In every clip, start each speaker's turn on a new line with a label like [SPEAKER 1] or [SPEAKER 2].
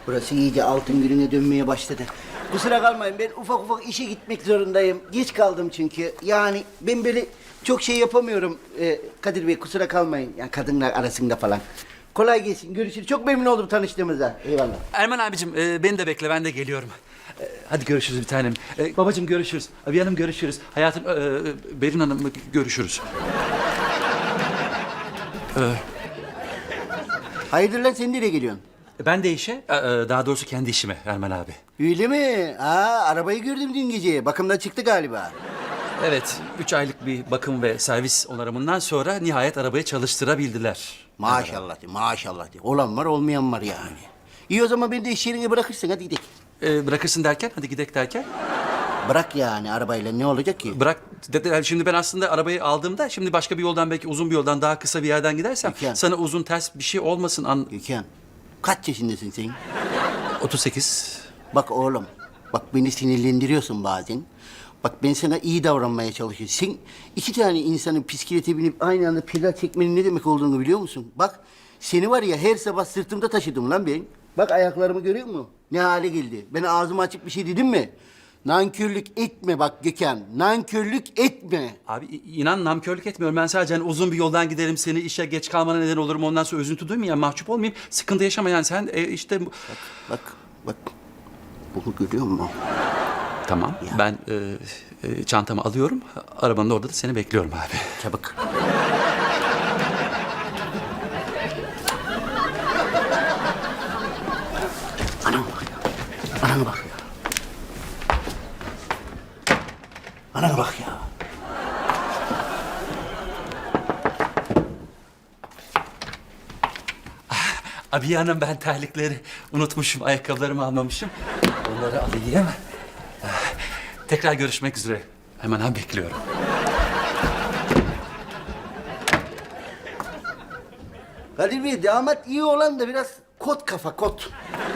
[SPEAKER 1] Burası iyice altın gününe dönmeye başladı. Kusura kalmayın, ben ufak ufak işe gitmek zorundayım. Geç kaldım çünkü. Yani ben böyle çok şey yapamıyorum. Kadir Bey kusura kalmayın. Yani kadınlar arasında falan. Kolay gelsin, görüşürüz. Çok memnun oldum tanıştığımıza. Eyvallah.
[SPEAKER 2] Erman abicim beni de bekle, ben de geliyorum. Hadi görüşürüz bir tanem. Babacığım görüşürüz. Abi hanım görüşürüz. Hayatım, Berin Hanım görüşürüz.
[SPEAKER 1] Hayırdır lan, sen nereye geliyorsun?
[SPEAKER 2] Ben de işe, daha doğrusu kendi işime Erman abi.
[SPEAKER 1] Öyle mi? Aa, arabayı gördüm dün gece. Bakımdan çıktı galiba.
[SPEAKER 2] Evet, 3 aylık bir bakım ve servis onarımından sonra nihayet arabayı çalıştırabildiler.
[SPEAKER 1] Maşallah de, maşallah de. Olan var, olmayan var yani. İyi, o zaman beni de iş yerine bırakırsın, hadi gidelim.
[SPEAKER 2] Bırakırsın derken, hadi gidek derken?
[SPEAKER 1] Bırak yani, arabayla ne olacak ki?
[SPEAKER 2] Bırak dediler. Şimdi ben aslında arabayı aldığımda, şimdi başka bir yoldan, belki uzun bir yoldan, daha kısa bir yerden gidersem
[SPEAKER 1] Peki.
[SPEAKER 2] sana uzun ters bir şey olmasın.
[SPEAKER 1] Gökhan, kaç yaşındasın sen?
[SPEAKER 2] 38.
[SPEAKER 1] Bak oğlum, bak beni sinirlendiriyorsun bazen. Bak ben sana iyi davranmaya çalışıyorum. Sen iki tane insanın bisiklete binip aynı anda pedal çekmenin ne demek olduğunu biliyor musun? Bak seni var ya, her sabah sırtımda taşıdım lan ben. Bak ayaklarımı görüyor musun? Ne hale geldi. Ben ağzımı açıp bir şey dedim mi? Nankörlük etme bak Gökhan. Nankörlük etme.
[SPEAKER 2] Abi inan namkörlük etmiyorum. Ben sadece hani uzun bir yoldan giderim, seni işe geç kalmana neden olurum. Ondan sonra üzüntü duymayayım, mahcup olmayayım. Sıkıntı yaşama yani sen işte...
[SPEAKER 1] Bak. Bunu görüyor musun?
[SPEAKER 2] Tamam,
[SPEAKER 1] Ya.
[SPEAKER 2] ben çantamı alıyorum. Arabanın orada da seni bekliyorum abi.
[SPEAKER 1] Çabuk. Anam bak ya. Anam bak ya. Anam bak ya.
[SPEAKER 2] Abi hanım, ben terlikleri unutmuşum, ayakkabılarımı almamışım. Onları alayım. Tekrar görüşmek üzere. Hemen abi bekliyorum.
[SPEAKER 1] Kadir Bey, damat iyi olan da biraz kot kafa, kot.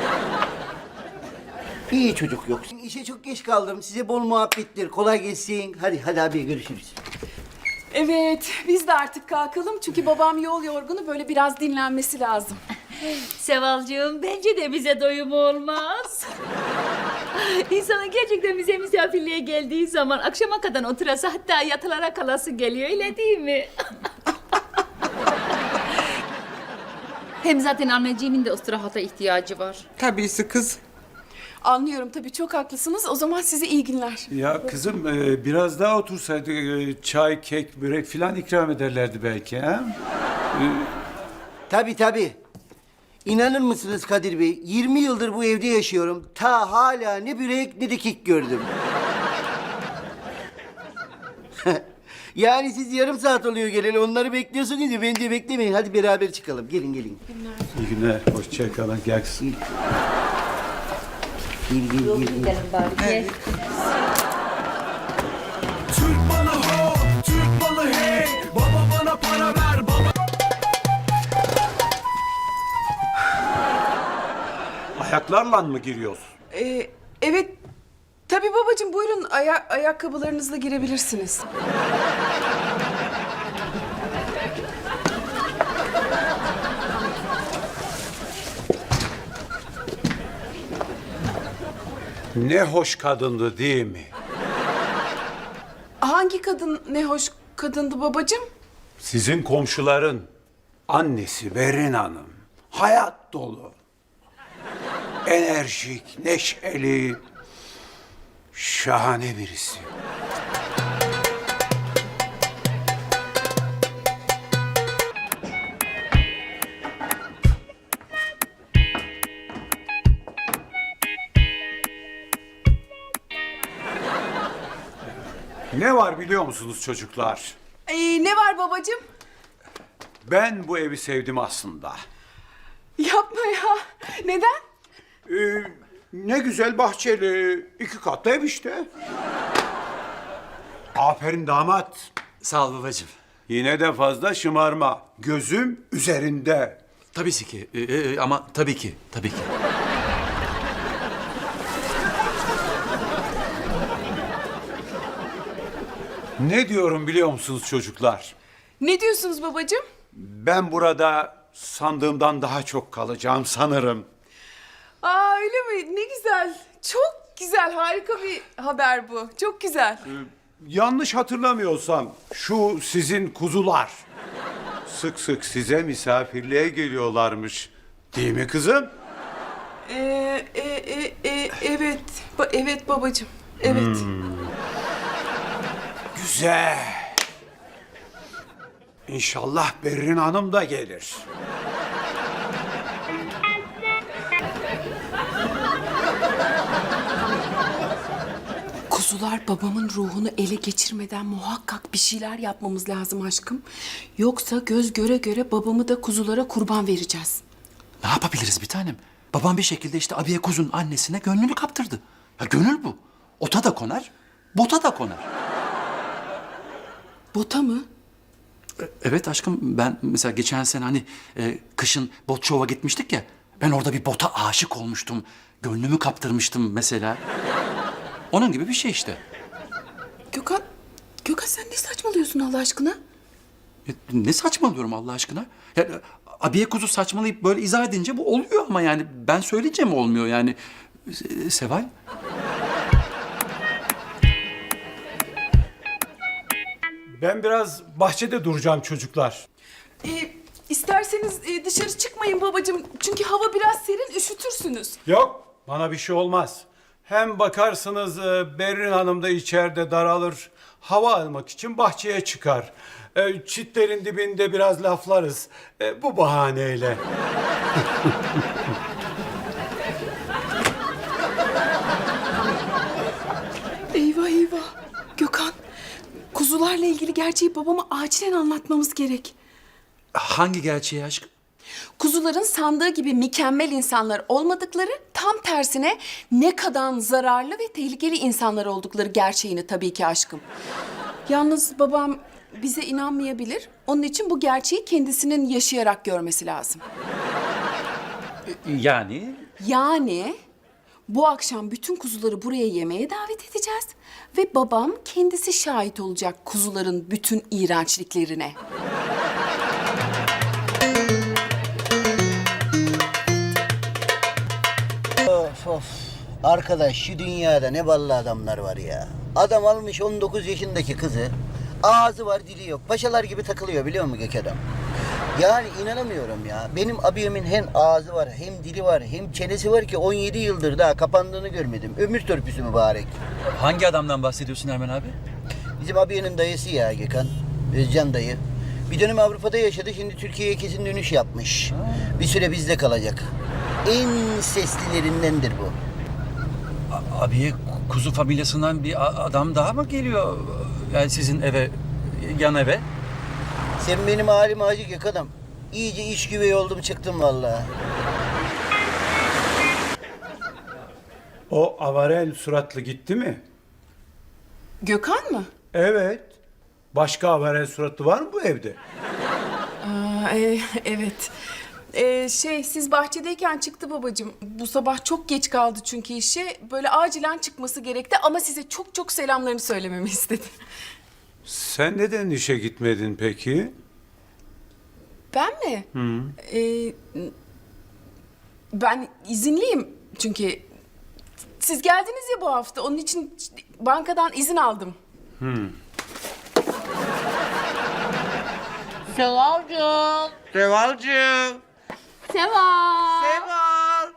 [SPEAKER 1] İyi çocuk yok. İşe çok geç kaldım. Size bol muhabbetler. Kolay gelsin. Hadi abi, görüşürüz.
[SPEAKER 3] Evet, biz de artık kalkalım çünkü babam yol yorgunu, böyle biraz dinlenmesi lazım.
[SPEAKER 4] Sevalcığım, bence de bize doyum olmaz. İnsanın gerçekten bize misafirliğe geldiği zaman akşama kadar oturası, hatta yatılara kalası geliyor, öyle değil mi? Hem zaten anneciğimin de istirahata ihtiyacı var.
[SPEAKER 5] Tabisi kız.
[SPEAKER 3] Anlıyorum tabii, çok haklısınız. O zaman size iyi günler.
[SPEAKER 5] Ya kızım biraz daha otursaydık çay, kek, börek filan ikram ederlerdi belki ha?
[SPEAKER 1] Tabii. İnanır mısınız Kadir Bey? 20 yıldır bu evde yaşıyorum. Ta hala ne börek ne de kek gördüm. Yani siz yarım saat oluyor geleli. Onları bekliyorsunuz ya, beni de beklemeyin. Hadi beraber çıkalım. Gelin.
[SPEAKER 5] İyi günler, hoşça kalın. Gel kızım.
[SPEAKER 1] Gel.
[SPEAKER 4] Gidelim bari. Gel.
[SPEAKER 6] Türk balı ho, Türk balı hey. Baba bana para ver, baba.
[SPEAKER 5] Ayaklarla mı giriyorsun?
[SPEAKER 3] Evet, tabii babacığım, buyurun ayakkabılarınızla girebilirsiniz.
[SPEAKER 5] Ne hoş kadındı değil mi?
[SPEAKER 3] Hangi kadın ne hoş kadındı babacığım?
[SPEAKER 5] Sizin komşuların annesi Berin Hanım. Hayat dolu. Enerjik, neşeli, şahane birisi. Ne var biliyor musunuz çocuklar?
[SPEAKER 3] Ne var babacığım?
[SPEAKER 5] Ben bu evi sevdim aslında.
[SPEAKER 3] Yapma ya. Neden?
[SPEAKER 5] Ne güzel bahçeli, 2 katlı ev işte. Aferin damat.
[SPEAKER 2] Sağ ol babacığım.
[SPEAKER 5] Yine de fazla şımarma. Gözüm üzerinde.
[SPEAKER 2] Tabii ki. Ama tabii ki.
[SPEAKER 5] Ne diyorum biliyor musunuz çocuklar?
[SPEAKER 3] Ne diyorsunuz babacığım?
[SPEAKER 5] Ben burada sandığımdan daha çok kalacağım sanırım.
[SPEAKER 3] Aa, öyle mi? Ne güzel. Çok güzel. Harika bir haber bu. Çok güzel.
[SPEAKER 5] Yanlış hatırlamıyorsam şu sizin kuzular sık sık size misafirliğe geliyorlarmış. Değil mi kızım?
[SPEAKER 3] Evet. Evet babacığım. Evet.
[SPEAKER 5] Güzel. İnşallah Berrin Hanım da gelir.
[SPEAKER 3] Kuzular babamın ruhunu ele geçirmeden muhakkak bir şeyler yapmamız lazım aşkım. Yoksa göz göre göre babamı da kuzulara kurban vereceğiz.
[SPEAKER 2] Ne yapabiliriz bir tanem? Babam bir şekilde işte abiye kuzun annesine gönlünü kaptırdı. Ya gönül bu. Ota da konar, bota da konar.
[SPEAKER 3] Bota mı?
[SPEAKER 2] Evet aşkım, ben mesela geçen sene hani kışın bot şova gitmiştik ya. Ben orada bir bota aşık olmuştum. Gönlümü kaptırmıştım mesela. Onun gibi bir şey işte.
[SPEAKER 3] Gökhan sen ne saçmalıyorsun Allah aşkına?
[SPEAKER 2] Ne saçmalıyorum Allah aşkına? Ya, abiye kuzu saçmalayıp böyle izah edince bu oluyor ama yani ben söyleyince mi olmuyor yani? Seval?
[SPEAKER 5] Ben biraz bahçede duracağım çocuklar.
[SPEAKER 3] İsterseniz dışarı çıkmayın babacığım. Çünkü hava biraz serin, üşütürsünüz.
[SPEAKER 5] Yok, bana bir şey olmaz. Hem bakarsınız Berrin Hanım da içeride daralır. Hava almak için bahçeye çıkar. Çitlerin dibinde biraz laflarız. Bu bahaneyle.
[SPEAKER 3] Eyvah eyvah. Gökhan, kuzularla ilgili gerçeği babama acilen anlatmamız gerek.
[SPEAKER 2] Hangi gerçeği aşkım?
[SPEAKER 3] Kuzuların sandığı gibi mükemmel insanlar olmadıkları, tam tersine ne kadar zararlı ve tehlikeli insanlar oldukları gerçeğini tabii ki aşkım. Yalnız babam bize inanmayabilir. Onun için bu gerçeği kendisinin yaşayarak görmesi lazım. Yani bu akşam bütün kuzuları buraya yemeğe davet edeceğiz ve babam kendisi şahit olacak kuzuların bütün iğrençliklerine.
[SPEAKER 1] Of. Arkadaş şu dünyada ne ballı adamlar var ya. Adam almış 19 yaşındaki kızı. Ağzı var dili yok. Paşalar gibi takılıyor biliyor musun Gökhan? Yani inanamıyorum ya. Benim abiyemin hem ağzı var hem dili var hem çenesi var ki 17 yıldır daha kapandığını görmedim. Ömür törpüsü mübarek.
[SPEAKER 2] Hangi adamdan bahsediyorsun Ermen abi?
[SPEAKER 1] Bizim abiyenin dayısı ya Gökhan. Özcan dayı. Bir dönem Avrupa'da yaşadı. Şimdi Türkiye'ye kesin dönüş yapmış. Bir süre bizde kalacak. En seslilerindendir bu.
[SPEAKER 2] Abiye kuzu familyasından bir adam daha mı geliyor? Yani sizin eve, yan eve?
[SPEAKER 1] Sen benim halime acı Gökhan'ım. İyice iş güvey oldum çıktım vallahi.
[SPEAKER 5] O avarel suratlı gitti mi?
[SPEAKER 3] Gökhan mı?
[SPEAKER 5] Evet. Başka avarel suratlı var mı bu evde?
[SPEAKER 3] Evet. Siz bahçedeyken çıktı babacığım. Bu sabah çok geç kaldı çünkü işe. Böyle acilen çıkması gerekti ama size çok çok selamlarını söylememi istedi.
[SPEAKER 5] Sen neden işe gitmedin peki?
[SPEAKER 3] Ben mi? Ben izinliyim çünkü siz geldiniz ya bu hafta. Onun için bankadan izin aldım.
[SPEAKER 4] Sevalcığım.
[SPEAKER 1] Sevalcığım.
[SPEAKER 4] Seval.
[SPEAKER 1] Seval.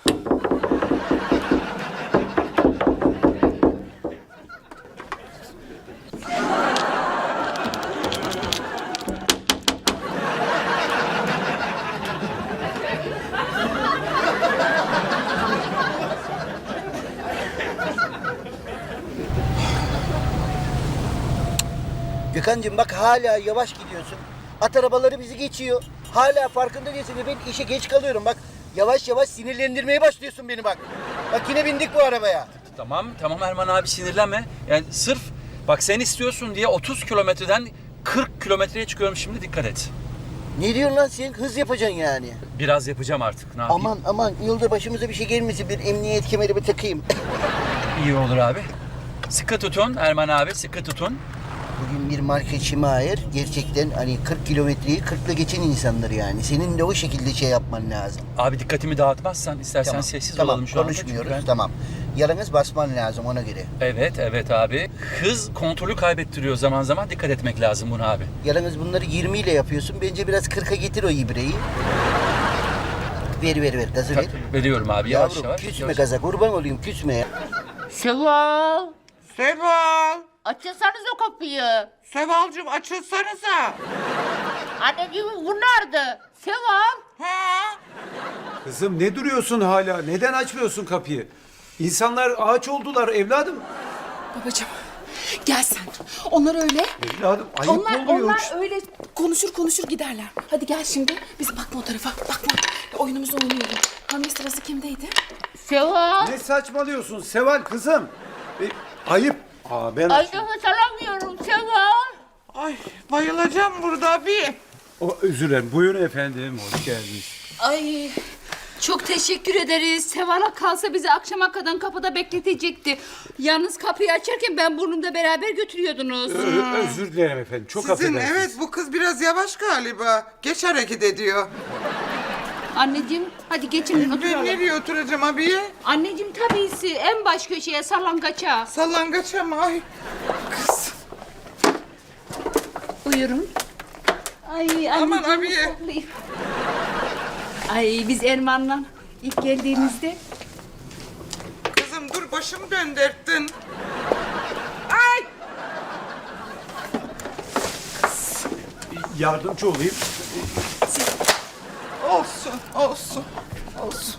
[SPEAKER 1] Gökhan'cığım bak hala yavaş gidiyorsun. At arabaları bizi geçiyor. Hala farkında değilsin ve ben işe geç kalıyorum. Bak yavaş yavaş sinirlendirmeye başlıyorsun beni bak. Bak yine bindik bu arabaya.
[SPEAKER 2] Tamam Erman abi, sinirlenme. Yani sırf bak sen istiyorsun diye 30 kilometreden 40 kilometreye çıkıyorum şimdi, dikkat et.
[SPEAKER 1] Ne diyorsun lan sen? Hız yapacaksın yani.
[SPEAKER 2] Biraz yapacağım artık, ne yapayım?
[SPEAKER 1] Aman yolda başımıza bir şey gelmesin. Bir emniyet kemerimi takayım.
[SPEAKER 2] İyi olur abi. Sıkı tutun Erman abi, sıkı tutun.
[SPEAKER 1] bugün bir market Şimayer gerçekten hani 40 kilometreyi 40'la geçen insanlar yani. Senin de o şekilde şey yapman lazım.
[SPEAKER 2] Abi dikkatimi dağıtmazsan istersen sessiz olalım şu anda.
[SPEAKER 1] Konuşmuyoruz.
[SPEAKER 2] Çünkü ben-
[SPEAKER 1] Tamam. Yalnız basman lazım ona göre.
[SPEAKER 2] Evet abi. Hız kontrolü kaybettiriyor zaman zaman. Dikkat etmek lazım buna abi.
[SPEAKER 1] Yalnız bunları 20 ile yapıyorsun. Bence biraz 40'a getir o ibreyi. Ver. Gazı ver.
[SPEAKER 2] Veriyorum abi yavaş
[SPEAKER 1] Yavrum
[SPEAKER 2] yavaş.
[SPEAKER 1] küsme
[SPEAKER 2] yavaş.
[SPEAKER 1] gaza kurban olayım küsme ya.
[SPEAKER 7] Seval!
[SPEAKER 8] Seval!
[SPEAKER 7] Açılsanız o kapıyı.
[SPEAKER 8] Sevalcığım açılsanıza.
[SPEAKER 7] Anneciğim bu nerede? Seval!
[SPEAKER 8] Ha?
[SPEAKER 5] Kızım ne duruyorsun hala? Neden açmıyorsun kapıyı? İnsanlar ağaç oldular evladım.
[SPEAKER 3] Babacığım gel sen. Onlar öyle.
[SPEAKER 5] Evladım ayıp oluyor.
[SPEAKER 3] Onlar öyle konuşur giderler. Hadi gel şimdi. Biz bakma o tarafa. Bakma. Oyunumuzu oynayalım. Hamle sırası kimdeydi?
[SPEAKER 7] Seval!
[SPEAKER 5] Ne saçmalıyorsun Seval kızım? Ayıp. Ben
[SPEAKER 7] Ay nefes alamıyorum Seval!
[SPEAKER 8] Ay bayılacağım burada abi.
[SPEAKER 5] Özür dilerim. Buyurun efendim. Hoş geldiniz.
[SPEAKER 4] Ay çok teşekkür ederiz. Seval'a kalsa bizi akşama kadar kapıda bekletecekti. Yalnız kapıyı açarken ben burnumda beraber götürüyordunuz.
[SPEAKER 5] Özür dilerim efendim. Çok
[SPEAKER 8] Sizin
[SPEAKER 5] affedersiniz.
[SPEAKER 8] evet bu kız biraz yavaş galiba. Geç hareket ediyor.
[SPEAKER 4] Anneciğim hadi geçin
[SPEAKER 8] Ben
[SPEAKER 4] oturalım.
[SPEAKER 8] nereye oturacağım abiye?
[SPEAKER 4] Anneciğim tabisi en baş köşeye sallangaça.
[SPEAKER 8] Sallangaça mı? Ay kız.
[SPEAKER 4] Buyurun. Ay
[SPEAKER 8] Aman
[SPEAKER 4] anneciğim,
[SPEAKER 8] abiye.
[SPEAKER 4] saklayayım. Ay biz Erman'la ilk geldiğimizde
[SPEAKER 8] Kızım dur başımı döndürttün. Ay.
[SPEAKER 5] Yardımcı olayım.
[SPEAKER 8] Olsun.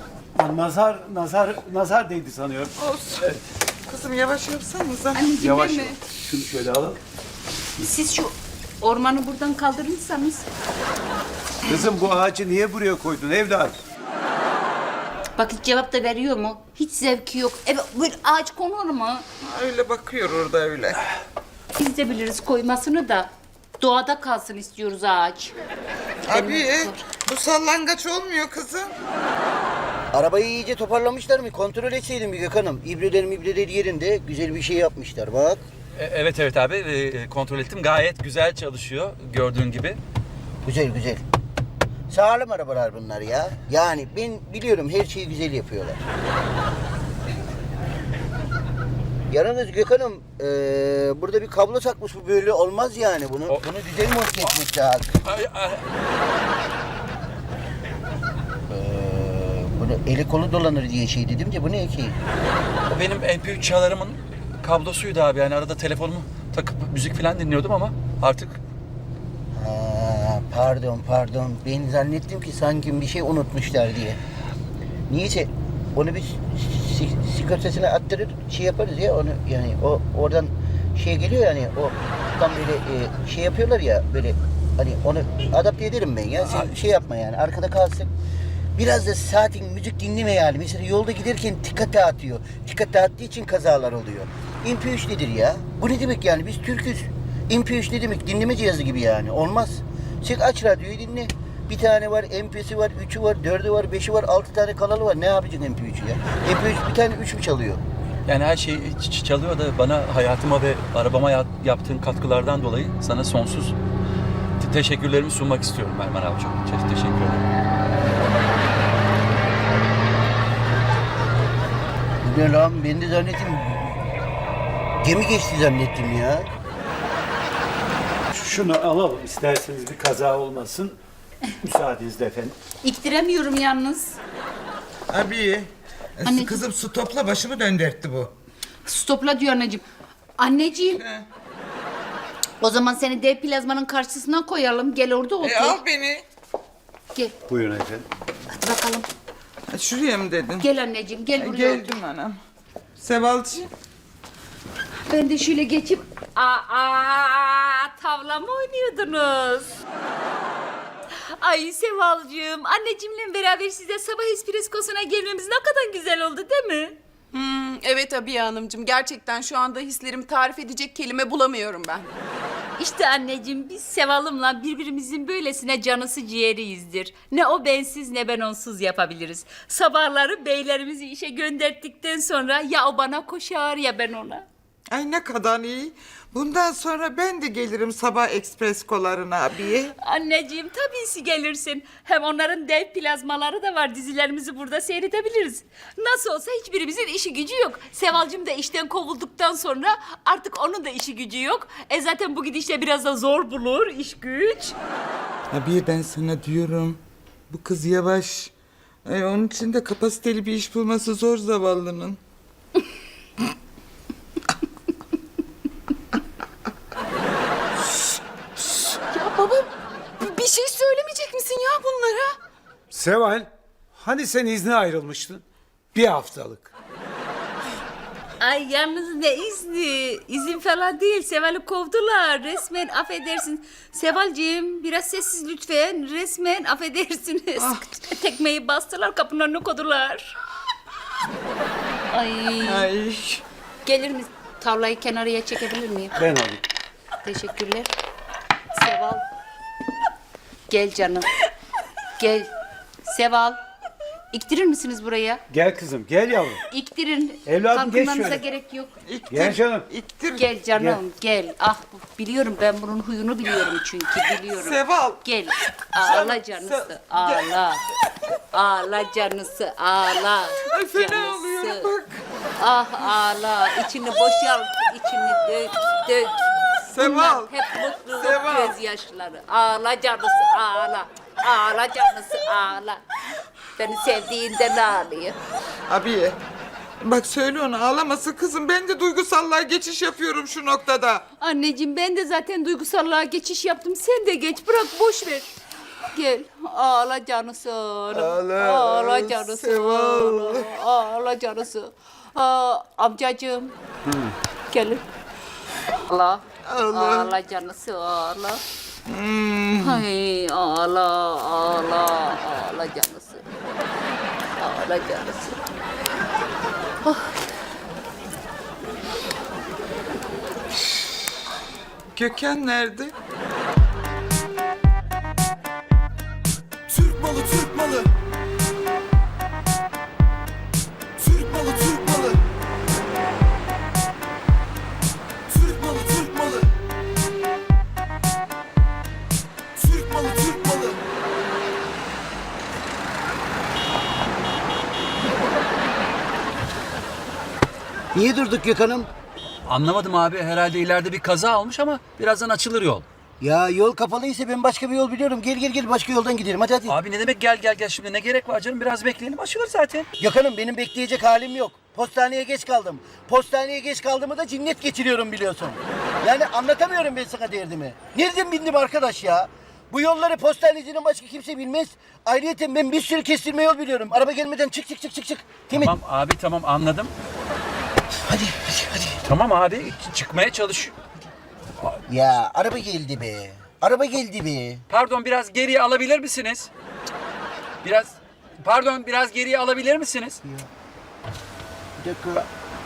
[SPEAKER 5] Nazar değdi sanıyorum.
[SPEAKER 8] Olsun. Kızım yavaş yapsanıza.
[SPEAKER 4] anneciğim
[SPEAKER 5] Yavaş.
[SPEAKER 4] değil mi?
[SPEAKER 5] Şunu şöyle alalım.
[SPEAKER 4] Siz şu ormanı buradan kaldırırsanız.
[SPEAKER 5] Kızım bu ağacı niye buraya koydun evladım?
[SPEAKER 4] Bak hiç cevap da veriyor mu? Hiç zevki yok. Evet böyle ağaç konur mu?
[SPEAKER 8] Öyle bakıyor orada öyle.
[SPEAKER 4] Biz de biliriz koymasını da. Doğada kalsın istiyoruz ağaç.
[SPEAKER 8] Abi bu sallangaç olmuyor kızım.
[SPEAKER 1] Arabayı iyice toparlamışlar mı? Kontrol etseydin bir Gökhan'ım. İbreleri yerinde. Güzel bir şey yapmışlar bak.
[SPEAKER 2] Evet abi. Kontrol ettim. Gayet güzel çalışıyor gördüğün gibi.
[SPEAKER 1] Güzel. Sağlam arabalar bunlar ya. Yani ben biliyorum her şeyi güzel yapıyorlar. Yalnız Gökhan'ım burada bir kablo takmış bu böyle olmaz yani. Bunu güzel monte etmek lazım. Bunu eli kolu dolanır diye şey dedim de bu ne ki?
[SPEAKER 2] O benim MP3 çalarımın kablosuydu abi. Yani arada telefonumu takıp müzik falan dinliyordum ama artık
[SPEAKER 1] Pardon. Ben zannettim ki sanki bir şey unutmuşlar diye. Niyeyse onu bir sigortasına attırır şey yaparız ya onu yani o oradan şey geliyor yani o tam böyle şey yapıyorlar ya böyle hani onu adapte ederim ben ya sen şey yapma yani arkada kalsın. Biraz da saatin müzik dinleme yani. Mesela yolda giderken dikkat dağıtıyor. Dikkat dağıttığı için kazalar oluyor. MP3 nedir ya? Bu ne demek yani? Biz Türk'üz. MP3 ne demek? Dinleme cihazı gibi yani. Olmaz. Sen aç radyoyu dinle. Bir tane var, MP'si var, 3'ü var, 4'ü var, 5'i var, 6 tane kanalı var. Ne yapacaksın MP3'ü ya? MP3 bir tane 3 mü çalıyor?
[SPEAKER 2] yani her şey çalıyor da bana hayatıma ve arabama yaptığın katkılardan dolayı sana sonsuz teşekkürlerimi sunmak istiyorum Erman abi. Çok teşekkür ederim.
[SPEAKER 1] Ne lan? Ben de zannettim. Gemi geçti zannettim ya.
[SPEAKER 5] Şunu alalım isterseniz bir kaza olmasın. Müsaadenizle efendim.
[SPEAKER 4] İktiremiyorum yalnız.
[SPEAKER 8] Abi
[SPEAKER 4] Anneciğim.
[SPEAKER 8] kızım stopla başımı döndürttü bu.
[SPEAKER 4] Stopla diyor anneciğim. Anneciğim.
[SPEAKER 8] He.
[SPEAKER 4] O zaman seni dev plazmanın karşısına koyalım. Gel orada otur.
[SPEAKER 8] Al beni.
[SPEAKER 4] Gel.
[SPEAKER 5] Buyurun efendim.
[SPEAKER 4] Hadi bakalım.
[SPEAKER 8] Şuraya mı dedin?
[SPEAKER 4] Gel anneciğim gel buraya. otur.
[SPEAKER 8] Geldim anam. Sevalcığım.
[SPEAKER 4] Ben de şöyle geçip tavla mı oynuyordunuz? Ay Sevalcığım, anneciğimle beraber size sabah espreskosuna gelmemiz ne kadar güzel oldu değil mi?
[SPEAKER 3] Evet Abiye Hanımcığım. Gerçekten şu anda hislerimi tarif edecek kelime bulamıyorum ben.
[SPEAKER 4] İşte anneciğim biz Seval'ımla birbirimizin böylesine canısı ciğeriyizdir. Ne o bensiz ne ben onsuz yapabiliriz. Sabahları beylerimizi işe gönderdikten sonra ya o bana koşar ya ben ona.
[SPEAKER 8] Ay ne kadar iyi. Bundan sonra ben de gelirim sabah ekspres kolarına abiye.
[SPEAKER 4] Anneciğim tabii ki gelirsin. Hem onların dev plazmaları da var. Dizilerimizi burada seyredebiliriz. Nasıl olsa hiçbirimizin işi gücü yok. Sevalcığım da işten kovulduktan sonra artık onun da işi gücü yok. Zaten bu gidişle biraz da zor bulur iş güç.
[SPEAKER 8] Abiye ben sana diyorum. Bu kız yavaş. Onun için de kapasiteli bir iş bulması zor zavallının.
[SPEAKER 3] Ya baba bir şey söylemeyecek misin ya bunlara?
[SPEAKER 5] Seval, hani sen izne ayrılmıştın? Bir haftalık.
[SPEAKER 4] Ay yalnız ne izni? İzin falan değil. Seval'i kovdular. Resmen affedersin. Sevalciğim biraz sessiz lütfen. Resmen affedersiniz. Tekmeyi bastılar kapının önüne koydular. Ay.
[SPEAKER 8] Ay.
[SPEAKER 4] Gelir mi? Tavlayı kenarıya çekebilir miyim?
[SPEAKER 5] Ben alayım.
[SPEAKER 4] Teşekkürler. Seval. Gel canım. Gel. Seval. İktirir misiniz buraya?
[SPEAKER 5] Gel kızım, gel yavrum.
[SPEAKER 4] İktirin.
[SPEAKER 5] Evladım, geç
[SPEAKER 4] Kalkınmanıza
[SPEAKER 5] şöyle.
[SPEAKER 4] gerek yok.
[SPEAKER 8] İttir.
[SPEAKER 5] Gel canım.
[SPEAKER 8] İttir.
[SPEAKER 4] Gel canım gel. Ah biliyorum ben bunun huyunu biliyorum çünkü biliyorum.
[SPEAKER 8] Seval.
[SPEAKER 4] Gel. Ağla canısı. Ağla. Ağla canısı. Ağla.
[SPEAKER 8] Ay fena
[SPEAKER 4] Canısı.
[SPEAKER 8] oluyor bak.
[SPEAKER 4] Ah ağla. İçini boşalt. İçini dök dök.
[SPEAKER 8] Seval.
[SPEAKER 4] Bunlar hep mutluluk
[SPEAKER 8] Seval.
[SPEAKER 4] gözyaşları. Ağla canısı ağla. Ağla canısı ağla. Beni sevdiğinden ağlıyor.
[SPEAKER 8] Abiye. Bak söyle ona ağlamasın kızım. Ben de duygusallığa geçiş yapıyorum şu noktada.
[SPEAKER 4] Anneciğim ben de zaten duygusallığa geçiş yaptım. Sen de geç bırak boş ver. Gel ağla canısı.
[SPEAKER 8] Ağla,
[SPEAKER 4] Ağla canısı.
[SPEAKER 8] Seval.
[SPEAKER 4] Ağla canısı. Amcacığım. Gelin. Ağla.
[SPEAKER 8] Ağla.
[SPEAKER 4] Ağla canısı ağla. Ay ağla ağla ağla canısı. Ağla canısı.
[SPEAKER 8] Gökhan nerede?
[SPEAKER 6] Türk malı Türk malı. Türk malı Türk malı. Türk malı Türk malı. Türk malı Türk malı.
[SPEAKER 1] Niye durduk Gökhan'ım?
[SPEAKER 2] Anlamadım abi. Herhalde ileride bir kaza olmuş ama birazdan açılır yol.
[SPEAKER 1] Ya yol kapalıysa ben başka bir yol biliyorum. Gel başka yoldan gidelim hadi.
[SPEAKER 2] Abi ne demek gel şimdi ne gerek var canım? Biraz bekleyelim açılır zaten.
[SPEAKER 1] Gökhan'ım benim bekleyecek halim yok. Postaneye geç kaldım. Postaneye geç kaldığımı da cinnet geçiriyorum biliyorsun. Yani anlatamıyorum ben sana derdimi. Nereden bindim arkadaş ya? Bu yolları postanecinin başka kimse bilmez. Ayrıyeten ben bir sürü kestirme yol biliyorum. Araba gelmeden çık. Değil mi?
[SPEAKER 2] Tamam abi tamam anladım.
[SPEAKER 1] Hadi.
[SPEAKER 2] Tamam abi çıkmaya çalış.
[SPEAKER 1] Ya araba geldi be. Araba geldi be.
[SPEAKER 2] Pardon biraz geriye alabilir misiniz? Biraz geriye alabilir misiniz?
[SPEAKER 1] Bir dakika.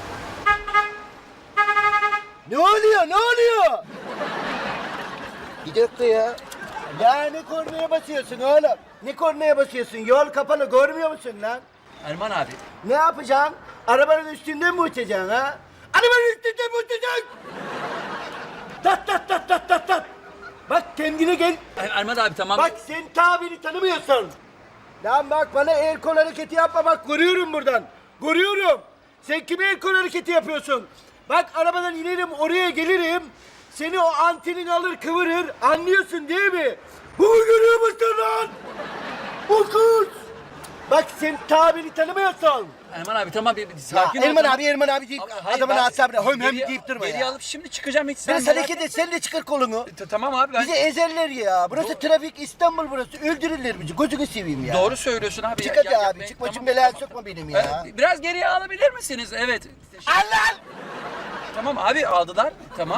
[SPEAKER 1] Ne oluyor? Bir dakika ya. Ya ne kornaya basıyorsun oğlum? Ne kornaya basıyorsun? Yol kapalı görmüyor musun lan?
[SPEAKER 2] Erman abi.
[SPEAKER 1] Ne yapacaksın? Arabanın üstünden mi uçacaksın ha? Arabanın üstünden mi uçacaksın? Tat. Bak kendine gel.
[SPEAKER 2] Erman abi tamam.
[SPEAKER 1] Bak sen tabiri tanımıyorsun. Lan bak bana el kol hareketi yapma bak görüyorum buradan. Görüyorum. Sen kime el kol hareketi yapıyorsun? Bak arabadan inerim oraya gelirim. Seni o antenin alır kıvırır. Anlıyorsun değil mi? Bunu görüyor musun lan? Bu kız. Bak sen tabiri tanımıyorsun.
[SPEAKER 2] Erman abi tamam bir
[SPEAKER 1] Ya
[SPEAKER 2] sakin ol.
[SPEAKER 1] Erman abi deyip
[SPEAKER 2] Hayır,
[SPEAKER 1] adamın
[SPEAKER 2] ben
[SPEAKER 1] asabına hem
[SPEAKER 2] geriye-
[SPEAKER 1] deyip durma
[SPEAKER 2] Geriye
[SPEAKER 1] ya.
[SPEAKER 2] alıp şimdi çıkacağım hiç
[SPEAKER 1] Biraz
[SPEAKER 2] merak
[SPEAKER 1] hareket et sen de çıkar kolunu.
[SPEAKER 2] Tamam abi ben
[SPEAKER 1] Bizi ezerler ya. Burası trafik İstanbul burası. Öldürürler bizi. Gözünü seveyim ya.
[SPEAKER 2] doğru söylüyorsun abi.
[SPEAKER 1] Çık hadi
[SPEAKER 2] Ya,
[SPEAKER 1] abi.
[SPEAKER 2] ben-
[SPEAKER 1] Çık başım
[SPEAKER 2] tamam,
[SPEAKER 1] belaya
[SPEAKER 2] tamam.
[SPEAKER 1] sokma benim ya.
[SPEAKER 2] Biraz geriye alabilir misiniz? Evet.
[SPEAKER 1] Allah!
[SPEAKER 2] Tamam abi aldılar. Tamam.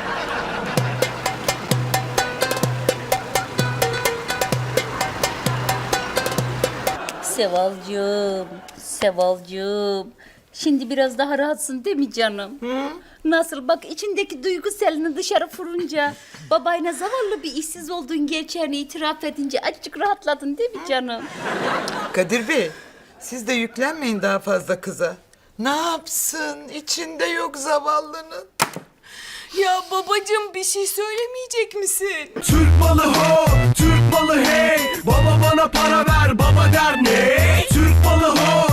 [SPEAKER 4] Sevalcığım. Şimdi biraz daha rahatsın değil mi canım? Nasıl? Bak içindeki duygu selini dışarı fırınca, babayla zavallı bir işsiz olduğun gerçeğini itiraf edince azıcık rahatladın değil mi canım?
[SPEAKER 8] Kadir Bey, siz de yüklenmeyin daha fazla kıza. Ne yapsın? İçinde yok zavallının.
[SPEAKER 3] Ya babacığım bir şey söylemeyecek misin?
[SPEAKER 6] Türk malı ho, Türk malı hey. Baba bana para ver, baba der ne? Türk malı ho,